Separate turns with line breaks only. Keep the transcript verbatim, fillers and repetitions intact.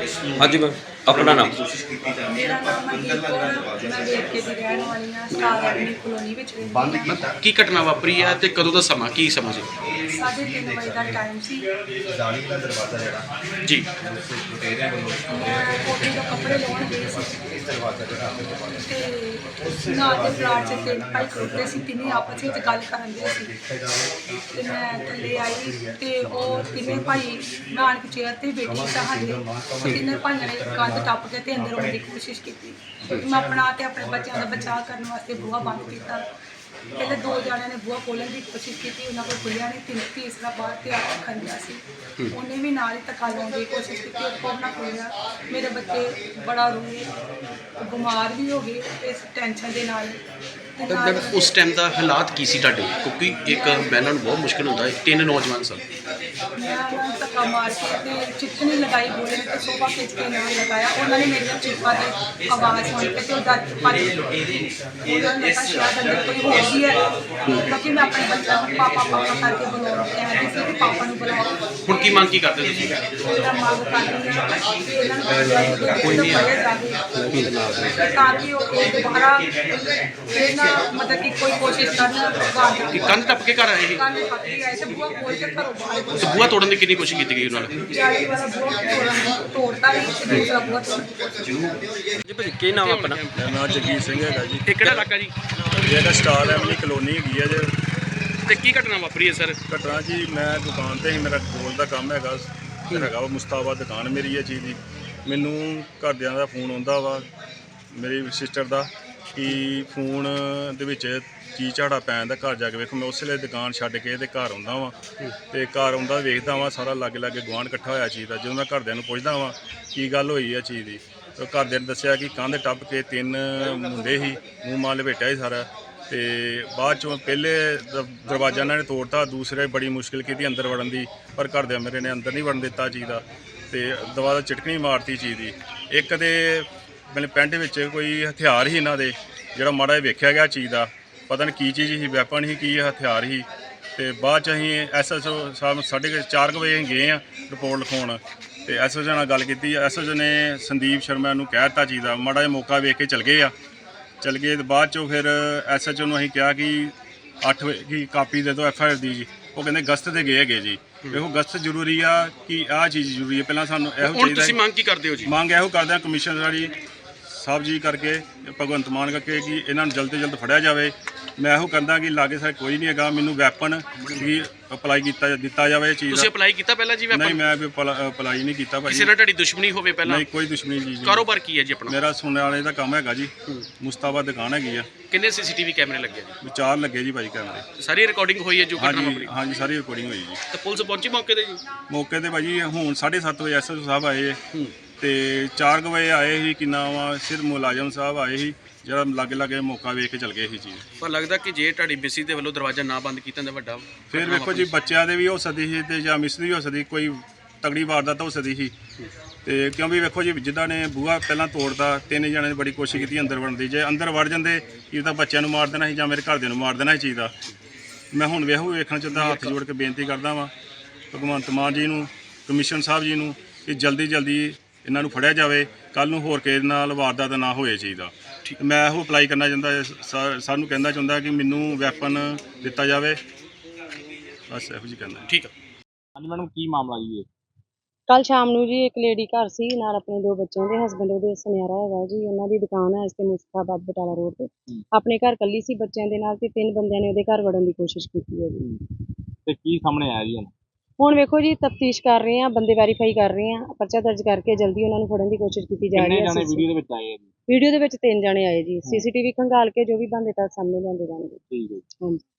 हाँ जी मैम, अपना नाम।
मेरा नाम मਨਦੀਪ ਕੌਰ ਆ। ਮੈਂ ਵੇਰਕੇ ਦੀ ਰਹਿਣ ਵਾਲੀ ਹਾਂ। ਸਟਾਰ ਐਵਨਿਊ ਕਲੋਨੀ ਵਿੱਚ ਰਹਿੰਦੀ ਹਾਂ।
ਕੀ ਘਟਨਾ ਵਾਪਰੀ ਹੈ ਤੇ ਕਦੋਂ ਦਾ ਸਮਾਂ ਕੀ ਸਮਾਂ ਸੀ
ਸਾਢੇ ਤਿੰਨ ਵਜੇ ਦਾ ਟਾਈਮ ਸੀ।
ਜੀ?
ਮੈਂ ਕੋਠੇ ਤੋਂ ਕੱਪੜੇ ਲਾਉਣ ਗਈ ਸੀ ਤੇ ਨਾਲ ਦੇ ਪਲਾਟ 'ਚ ਤਿੰਨ ਭਾਈ ਖੜੋਤੇ ਸੀ। ਤਿੰਨੇ ਆਪਸ ਵਿੱਚ ਗੱਲ ਕਰਨ ਦੇ ਸੀ ਤੇ ਮੈਂ ਥੱਲੇ ਆਈ ਤੇ ਉਹ ਤਿੰਨੇ ਭਾਈ ਨਾਨਕ ਚੇਅਰ ਤੇ ਬੈਠੀ ਸਾਡੇ ਉਹ ਤਿੰਨੇ ਭਾਈਆਂ ਨੇ ਕੰਧ ਟੱਪ ਕੇ ਤੇ ਅੰਦਰ ਆਉਣ ਦੀ ਕੋਸ਼ਿਸ਼ ਕੀਤੀ। ਮੈਂ ਆਪਣਾ ਤੇ ਆਪਣੇ ਬੱਚਿਆਂ ਦਾ ਬਚਾਅ ਕਰਨ ਵਾਸਤੇ ਬੂਹਾ ਬੰਦ ਕੀਤਾ। ਪਹਿਲੇ ਦੋ ਜਣਿਆਂ ਨੇ ਬੂਹਾ ਖੋਲ੍ਹਣ ਦੀ ਕੋਸ਼ਿਸ਼ ਕੀਤੀ, ਉਹਨਾਂ ਕੋਲ ਖੁੱਲਿਆ ਨਹੀਂ। ਤਿੰਨ ਤੀਸਰਾ ਬਾਹਰ ਤਿਆਰ ਰੱਖਣ ਦਿਆ ਸੀ, ਉਹਨੇ ਵੀ ਨਾਲ ਹੀ ਧੱਕਾ ਲਾਉਣ ਦੀ ਕੋਸ਼ਿਸ਼ ਕੀਤੀ, ਉਹ ਕੋਲ ਨਾ ਖੋਲ੍ਹਿਆ। ਮੇਰੇ ਬੱਚੇ ਬੜਾ ਰੋਏ, ਬਿਮਾਰ ਵੀ ਹੋ ਗਏ ਇਸ ਟੈਨਸ਼ਨ ਦੇ ਨਾਲ। ਤੇ ਨਾਲ
ਉਸ ਟਾਈਮ ਦਾ ਹਾਲਾਤ ਕੀ ਸੀ ਤੁਹਾਡੇ? ਕਿਉਂਕਿ ਇੱਕ ਬਹਿਣਾ ਨੂੰ ਬਹੁਤ ਮੁਸ਼ਕਿਲ ਹੁੰਦਾ ਹੈ, ਤਿੰਨ ਨੌਜਵਾਨ ਸਨ।
ਮੈਂ ਉਹਨਾਂ ਨੂੰ ਧੱਕਾ ਮਾਰ ਕੇ ਤੇ ਚਿੱਠਣੀ ਲਗਾਈ ਬੋਲੇ ਤੇ ਸੋਫਾ ਖਿੱਚ ਕੇ ਨਾਲ ਲਗਾਇਆ। ਉਹਨਾਂ ਨੇ ਮੇਰੀਆਂ ਚੀਕਾਂ ਦੀ ਆਵਾਜ਼ ਸੁਣ ਕੇ ਤੇ ਉਹ ਡਰ ਭੱਜ ਗਏ। ਉਹਨਾਂ ਨੇ ਕਿਹਾ ਸ਼ਾਇਦ ਅੰਦਰ ਕੋਈ ਹੋ ਗਈ ਹੈ, ਕਿਉਂਕਿ ਮੈਂ ਆਪਣੇ ਬੱਚਿਆਂ ਨੂੰ ਪਾਪਾ ਪਾਪਾ ਕਰਕੇ ਬੁਲਾਉਣਾ ਕਹਿੰਦੀ ਸੀ ਕਿ ਪਾਪਾ ਨੂੰ ਬੁਲਾਓ।
ਹੁਣ ਕੀ ਮੰਗ ਕੀ ਕਰਦੇ ਤੁਸੀਂ?
ਮੇਰਾ ਮੰਗ ਕਰਦੀ ਹਾਂ ਕਿ ਇਹਨਾਂ ਨੂੰ ਕੋਈ ਨਹੀਂ ਫੜਿਆ ਜਾਵੇ ਤਾਂ ਕਿ ਉਹ ਇਹ ਦੁਬਾਰਾ ਫਿਰ ਨਾ ਮਤਲਬ ਕਿ ਕੋਈ ਕੋਸ਼ਿਸ਼ ਕਰਨ।
ਕਿ ਕੰਧ ਟੱਪ ਕੇ ਘਰ ਆਏ ਸੀ?
ਕੰਨ ਪੱਕੀ ਆਏ ਤੇ ਬੂਹਾ ਖੋਲ ਕੇ ਘਰੋਂ ਬਾਹਰ
ਤੇ ਬੂਹਾ ਤੋੜਨ ਦੀ ਕਿੰਨੀ ਕੋਸ਼ਿਸ਼ ਕੀਤੀ ਗਈ ਉਹਨਾਂ ਨਾਲ?
ਜਾਲੀ ਵਾਲਾ ਬੂਹਾ ਤੋੜਨ ਤੋੜਤਾ ਵੀ ਤੇ ਦੂਸਰਾ ਬੂਹਾ ਤੋੜ
जी भाजी की नाम है अपना?
ਮੇਰਾ ਨਾਮ ਜਗੀਰ ਸਿੰਘ ਹੈਗਾ ਜੀ।
ਇਹ ਕਿਹੜਾ ਇਲਾਕਾ ਜੀ?
ਇਹ ਹੈਗਾ ਸਟਾਰ ਐਵਨਿਊ ਕਲੋਨੀ ਹੈਗੀ ਹੈ ਜੇ।
ਤੇ ਕੀ ਘਟਨਾ ਵਾਪਰੀ ਹੈ ਸਰ?
ਘਟਨਾ ਜੀ, ਮੈਂ ਦੁਕਾਨ ਤੇ ਹੀ, ਮੇਰਾ ਗੋਲ ਦਾ ਕੰਮ ਹੈਗਾ ਹੈਗਾ ਵਾ ਮੁਸਤਾਬਾਦ ਦੁਕਾਨ ਮੇਰੀ ਇਹ ਚੀਜ਼ ਦੀ। ਮੈਨੂੰ ਘਰਦਿਆਂ ਦਾ ਫੋਨ ਆਉਂਦਾ ਵਾ, ਮੇਰੀ ਸਿਸਟਰ ਦਾ, ਕਿ ਫੋਨ ਦੇ ਵਿੱਚ ਕੀ ਝਾੜਾ ਪੈਣ ਦਾ, ਘਰ ਜਾ ਕੇ ਵੇਖੋ। ਮੈਂ ਉਸੇ ਵੇਲੇ ਦੁਕਾਨ ਛੱਡ ਕੇ ਤੇ ਘਰ ਆਉਂਦਾ ਵਾਂ ਤੇ ਘਰ ਆਉਂਦਾ ਵੇਖਦਾ ਵਾਂ ਸਾਰਾ ਲਾਗੇ ਲਾਗੇ ਗੁਆਂਢ ਇਕੱਠਾ ਹੋਇਆ ਚੀਜ਼ ਦਾ। ਜਦੋਂ ਮੈਂ ਘਰਦਿਆਂ ਨੂੰ ਪੁੱਛਦਾ ਵਾਂ ਕੀ ਗੱਲ ਹੋਈ ਹੈ ਚੀਜ਼ ਦੀ, ਤਾਂ ਘਰਦਿਆਂ ਨੇ ਦੱਸਿਆ ਕਿ ਕੰਧ ਟੱਪ ਕੇ ਤਿੰਨ ਮੁੰਡੇ ਸੀ, ਮੂੰਹ ਮਾਲ ਲਪੇਟਿਆ ਸੀ ਸਾਰਾ। ਤੇ ਬਾਅਦ ਚੋਂ ਪਹਿਲੇ ਦ- ਦਰਵਾਜ਼ਾ ਇਹਨਾਂ ਨੇ ਤੋੜਤਾ, ਦੂਸਰੇ ਬੜੀ ਮੁਸ਼ਕਿਲ ਕੀਤੀ ਅੰਦਰ ਵੜਨ ਦੀ, ਪਰ ਘਰਦਿਆਂ ਮੇਰੇ ਨੇ ਅੰਦਰ ਨਹੀਂ ਵੜਨ ਦਿੱਤਾ ਚੀਜ਼ ਦਾ। ਤੇ ਦਵਾ ਦਾ ਚਟਕਣੀ ਮਾਰਤੀ ਚੀਜ਼ ਦੀ। ਇੱਕ ਤੇ ਮੇਰੇ ਪੈਂਟ ਵਿੱਚ ਕੋਈ ਹਥਿਆਰ ਸੀ ਇਹਨਾਂ ਦੇ, ਜਿਹੜਾ ਮਾੜਾ ਜਿਹਾ ਵੇਖਿਆ ਗਿਆ ਚੀਜ਼ ਦਾ, ਪਤਾ ਨਹੀਂ ਕੀ ਚੀਜ਼ ਸੀ, ਵੈਪਨ ਸੀ ਕੀ ਹਥਿਆਰ ਸੀ। ਤੇ ਬਾਅਦ ਚ ਅਸੀਂ ਐਸ ਐਸ ਓ ਸਾਹਿਬ ਸਾਢੇ ਚਾਰ ਕੁ ਵਜੇ ਅਸੀਂ ਗਏ ਹਾਂ ਰਿਪੋਰਟ ਲਿਖਾਉਣ ਤੇ ਐਸ ਐਸ ਓ ਨਾਲ ਗੱਲ ਕੀਤੀ। ਐਸ ਐਸ ਓ ਨੇ ਸੰਦੀਪ ਸ਼ਰਮਾ ਨੂੰ ਕਹਿ ਦਿੱਤਾ ਚੀਜ਼ ਦਾ, ਮਾੜਾ ਜਿਹਾ ਮੌਕਾ ਵੇਖ ਕੇ ਚਲ ਗਏ ਆ। ਚਲ ਗਏ ਤੇ ਬਾਅਦ ਚੋਂ ਫਿਰ ਐਸ ਐਚ ਓ ਨੂੰ ਅਸੀਂ ਕਿਹਾ ਕਿ ਅੱਠ ਵਜੇ ਕੀ ਕਾਪੀ ਦੇ ਦਿਓ ਐਫ ਆਈ ਆਰ ਦੀ ਜੀ। ਉਹ ਕਹਿੰਦੇ ਗਸਤ ਤੇ ਗਏ ਹੈਗੇ ਜੀ। ਇਹੋ ਗਸਤ ਜ਼ਰੂਰੀ ਆ ਕਿ ਆਹ ਚੀਜ਼ ਜ਼ਰੂਰੀ ਹੈ, ਪਹਿਲਾਂ ਸਾਨੂੰ ਇਹੋ
ਹੁਣ
ਚਾਹੀਦਾ।
ਤੁਸੀਂ ਮੰਗ ਕੀ ਕਰਦੇ ਹੋ ਜੀ?
ਮੰਗ ਇਹੋ ਕਰਦੇ ਹਾਂ ਕਮਿਸ਼ਨਰ ਵਾਲੀ ਸਾਹਿਬ ਜੀ ਕਰਕੇ, ਭਗਵੰਤ ਮਾਨ ਕਰਕੇ, ਕਿ ਇਹਨਾਂ ਨੂੰ ਜਲਦ ਤੋਂ ਜਲਦ ਫੜਿਆ ਜਾਵੇ। ਮੈਂ ਇਹੋ ਕਹਿੰਦਾ ਕਿ ਲਾਗੇ ਸਾਰੇ ਕੋਈ ਨਹੀਂ ਹੈਗਾ, ਮੈਨੂੰ ਵੈਪਨ ਵੀ ਅਪਲਾਈ ਕੀਤਾ ਦਿੱਤਾ ਜਾਵੇ ਇਹ ਚੀਜ਼
ਤੁਸੀਂ
ਦਾ।
ਅਪਲਾਈ ਕੀਤਾ ਪਹਿਲਾਂ ਜੀ
ਨਹੀਂ,
ਵੈਪਨ?
ਮੈਂ ਵੀ ਅਪਲਾਈ ਨਹੀਂ ਕੀਤਾ ਭਾਈ।
ਕਿਸੇ ਨਾਲ ਤੁਹਾਡੀ ਦੁਸ਼ਮਣੀ ਹੋਵੇ ਪਹਿਲਾਂ?
ਨਹੀਂ, ਕੋਈ ਦੁਸ਼ਮਣੀ ਜੀ ਜੀ।
ਕਾਰੋਬਾਰ ਕੀ ਹੈ ਜੀ ਆਪਣਾ?
ਮੇਰਾ ਸੁਣਨ ਵਾਲੇ ਦਾ ਕੰਮ ਹੈਗਾ ਜੀ, ਮੁਸਤਾਬਾਦ ਦੁਕਾਨ ਹੈਗੀ ਆ।
ਕਿੰਨੇ ਸੀਸੀਟੀਵੀ ਕੈਮਰੇ ਲੱਗੇ ਜੀ?
ਵਿਚਾਰ ਲੱਗੇ ਜੀ ਭਾਈ ਕੈਮਰੇ।
ਸਾਰੀ ਰਿਕਾਰਡਿੰਗ ਹੋਈ ਹੈ ਜੋ ਘਟਨਾ
ਹਾਂਜੀ
ਵਾਪਰੀ?
ਹਾਂਜੀ, ਸਾਰੀ ਰਿਕਾਰਡਿੰਗ ਹੋਈ ਜੀ।
ਤੇ ਪੁਲਿਸ ਪਹੁੰਚੀ ਮੌਕੇ ਤੇ ਜੀ?
ਮੌਕੇ ਤੇ ਭਾਜੀ ਹੁਣ ਸਾਢੇ ਸੱਤ ਵਜੇ ਐਸ ਐਸ ਓ ਸਾਹਿਬ ਆਏ ਤੇ ਚਾਰ ਕੁ ਵਜੇ ਆਏ ਸੀ, ਕਿੰਨਾ ਵਾ ਸਿਰ ਮੁਲਾਜ਼ਮ ਸਾਹਿਬ ਆਏ ਸੀ, ਜਿਹੜਾ ਲਾਗੇ ਲਾਗੇ ਮੌਕਾ ਵੇਖ ਕੇ ਚਲ ਗਏ ਸੀ ਚੀਜ਼।
ਪਰ ਲੱਗਦਾ ਕਿ ਜੇ ਤੁਹਾਡੀ ਮਿਸੀ ਦੇ ਵੱਲੋਂ ਦਰਵਾਜ਼ਾ ਨਾ ਬੰਦ ਕੀਤਾ ਤਾਂ ਵੱਡਾ
ਫਿਰ ਵੇਖੋ ਜੀ, ਬੱਚਿਆਂ ਦੇ ਵੀ ਹੋ ਸਕਦੀ ਸੀ ਤੇ ਜਾਂ ਮਿਸ ਦੀ ਵੀ ਹੋ ਸਕਦੀ, ਕੋਈ ਤਗੜੀ ਵਾਰਦਾਤ ਹੋ ਸਕਦੀ ਸੀ। ਤੇ ਕਿਉਂਕਿ ਵੇਖੋ ਜੀ, ਜਿੱਦਾਂ ਨੇ ਬੂਹਾ ਪਹਿਲਾਂ ਤੋੜਦਾ, ਤਿੰਨ ਜਣਿਆਂ ਨੇ ਬੜੀ ਕੋਸ਼ਿਸ਼ ਕੀਤੀ ਅੰਦਰ ਵੜਨ ਦੀ। ਜੇ ਅੰਦਰ ਵੜ ਜਾਂਦੇ ਕੀ ਤਾਂ ਬੱਚਿਆਂ ਨੂੰ ਮਾਰ ਦੇਣਾ ਸੀ ਜਾਂ ਮੇਰੇ ਘਰਦਿਆਂ ਨੂੰ ਮਾਰ ਦੇਣਾ ਸੀ ਚੀਜ਼ ਦਾ। ਮੈਂ ਹੁਣ ਵੇਖੋ ਵੇਖਣਾ ਚਾਹੁੰਦਾ, ਹੱਥ ਜੋੜ ਕੇ ਬੇਨਤੀ ਕਰਦਾ ਵਾਂ ਭਗਵੰਤ ਮਾਨ ਜੀ ਨੂੰ, ਕਮਿਸ਼ਨ ਸਾਹਿਬ ਜੀ ਨੂੰ, ਕਿ ਜਲਦੀ ਜਲਦੀ ਇਹਨਾਂ ਨੂੰ ਫੜਿਆ ਜਾਵੇ। ਕੱਲ੍ਹ ਨੂੰ ਹੋਰ ਕਿਸੇ ਨਾਲ ਵਾਰਦਾਤ ਨਾ ਹੋਏ ਚੀਜ਼ ਦਾ। ਮੈਂ ਇਹੋ ਅਪਲਾਈ ਕਰਨਾ ਚਾਹੁੰਦਾ, ਸਾ- ਸਾਨੂੰ ਕਹਿੰਦਾ ਚਾਹੁੰਦਾ ਕਿ ਮੈਨੂੰ ਵੈਪਨ ਦਿੱਤਾ ਜਾਵੇ, ਬਸ ਇਹੋ ਜਿਹੀ ਕਹਿੰਦਾ।
ਠੀਕ ਹੈ।
ਹਾਂਜੀ ਮੈਡਮ, ਕੀ ਮਾਮਲਾ ਜੀ ਇਹ?
ਕੱਲ ਸ਼ਾਮ ਨੂੰ ਜੀ ਇੱਕ ਲੇਡੀ ਘਰ ਸੀ ਨਾਲ ਆਪਣੇ ਦੋ ਬੱਚਿਆਂ ਦੇ, ਹਸਬੈਂਡ ਉਹਦੇ ਸੁਨਿਆਰਾ ਹੈਗਾ ਜੀ। ਉਹਨਾਂ ਦੀ ਦੁਕਾਨ ਹੈ ਇਸ ਤੇ ਮੁਸਤਾਬਾਦ ਬਟਾਲਾ ਰੋਡ ਤੇ। ਆਪਣੇ ਘਰ ਕੱਲੀ ਸੀ ਬੱਚਿਆਂ ਦੇ ਨਾਲ ਤੇ ਤਿੰਨ ਬੰਦਿਆਂ ਨੇ ਉਹਦੇ ਘਰ ਵੜਨ ਦੀ ਕੋਸ਼ਿਸ਼ ਕੀਤੀ ਹੈ ਜੀ।
ਤੇ ਕੀ ਸਾਹਮਣੇ ਆਇਆ ਜੀ ਹੁਣ?
ਹੁਣ ਵੇਖੋ ਜੀ, ਤਫਤੀਸ਼ ਕਰ ਰਹੇ ਆ, ਬੰਦੇ ਵੈਰੀਫਾਈ ਕਰ ਰਹੇ ਆ, ਪਰਚਾ ਦਰਜ ਕਰਕੇ ਜਲਦੀ ਉਹਨਾਂ ਨੂੰ ਫੜਨ ਦੀ ਕੋਸ਼ਿਸ਼ ਕੀਤੀ ਜਾ
ਕਿੰਨੇ
ਰਹੀ
ਜਾਣੇ
ਹੈ।
ਵੀਡੀਓ ਦੇ ਵਿੱਚ ਆਏ ਆ ਜੀ?
ਵੀਡੀਓ ਦੇ ਵਿੱਚ ਤਿੰਨ ਜਣੇ ਆਏ ਜੀ। ਸੀਸੀਟੀਵੀ ਖੰਗਾਲ ਕੇ ਜੋ ਵੀ ਬੰਦੇ ਤਾਂ ਸਾਹਮਣੇ ਲਿਆਂਦੇ ਜਾਣਗੇ।
ਠੀਕ ਹੈ ਜੀ।
ਹਾਂਜੀ।